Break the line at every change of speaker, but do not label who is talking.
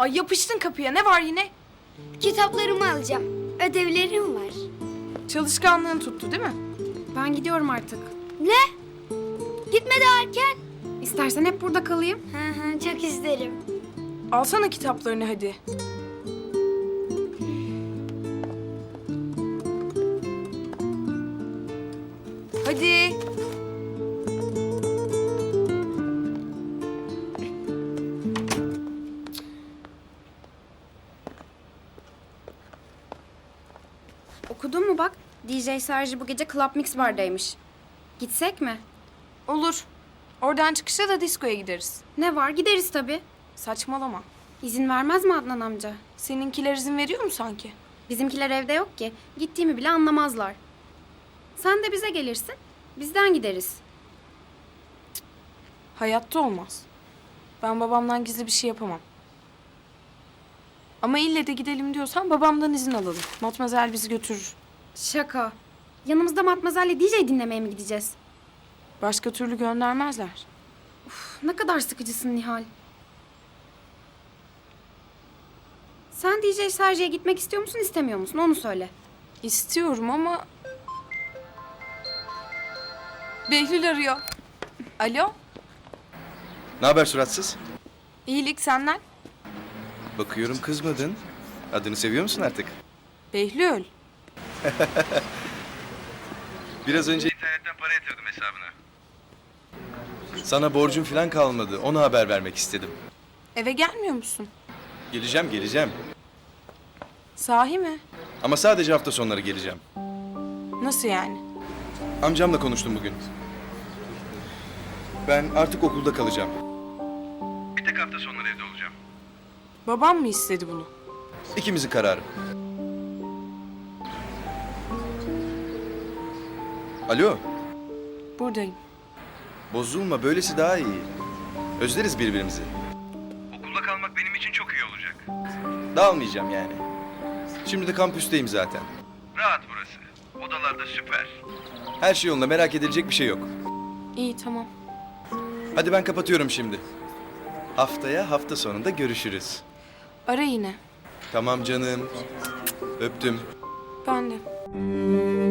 Ay yapıştın kapıya. Ne var yine?
Kitaplarımı alacağım. Ödevlerim var.
Çalışkanlığın tuttu değil mi?
Ben gidiyorum artık.
Ne? Gitme daha erken.
İstersen hep burada kalayım.
Hı hı, çok isterim.
Alsana kitaplarını hadi. Hadi.
Okudun mu bak? DJ Sergi bu gece Club Mix Bar'daymış. Gitsek mi?
Olur. Oradan çıkışta da diskoya gideriz.
Ne var? Gideriz tabii.
Saçmalama.
İzin vermez mi Adnan amca?
Seninkiler izin veriyor mu sanki?
Bizimkiler evde yok ki. Gittiğimi bile anlamazlar. Sen de bize gelirsin. Bizden gideriz.
Hayatta olmaz. Ben babamdan gizli bir şey yapamam. Ama ille de gidelim diyorsan babamdan izin alalım. Matmazel bizi götürür.
Şaka. Yanımızda Matmazel'le DJ dinlemeye mi gideceğiz?
Başka türlü göndermezler.
Ne kadar sıkıcısın Nihal. Sen DJ Sergi'ye gitmek istiyor musun, istemiyor musun? Onu söyle.
İstiyorum ama... Behlül arıyor. Alo?
Ne haber suratsız?
İyilik senden.
Bakıyorum kızmadın. Adını seviyor musun artık?
Behlül.
Biraz önce internetten para yatırdım hesabına. Sana borcum falan kalmadı. Ona haber vermek istedim.
Eve gelmiyor musun?
Geleceğim.
Sahi mi?
Ama sadece hafta sonları geleceğim.
Nasıl yani?
Amcamla konuştum bugün. Ben artık okulda kalacağım. Bir tek hafta sonları evde olacağım.
Babam mı istedi bunu?
İkimizin kararı. Alo,
Buradayım.
bozulma. Böylesi daha iyi. Özleriz birbirimizi. Okulda kalmak benim için çok iyi olacak. Dağılmayacağım yani. Şimdi de kampüsteyim zaten. Rahat burası. Odalarda süper. Her şey yolunda, merak edilecek bir şey yok.
İyi tamam.
Hadi ben kapatıyorum şimdi. Haftaya hafta sonunda görüşürüz.
Ara yine.
Tamam canım. Öptüm.
Ben de.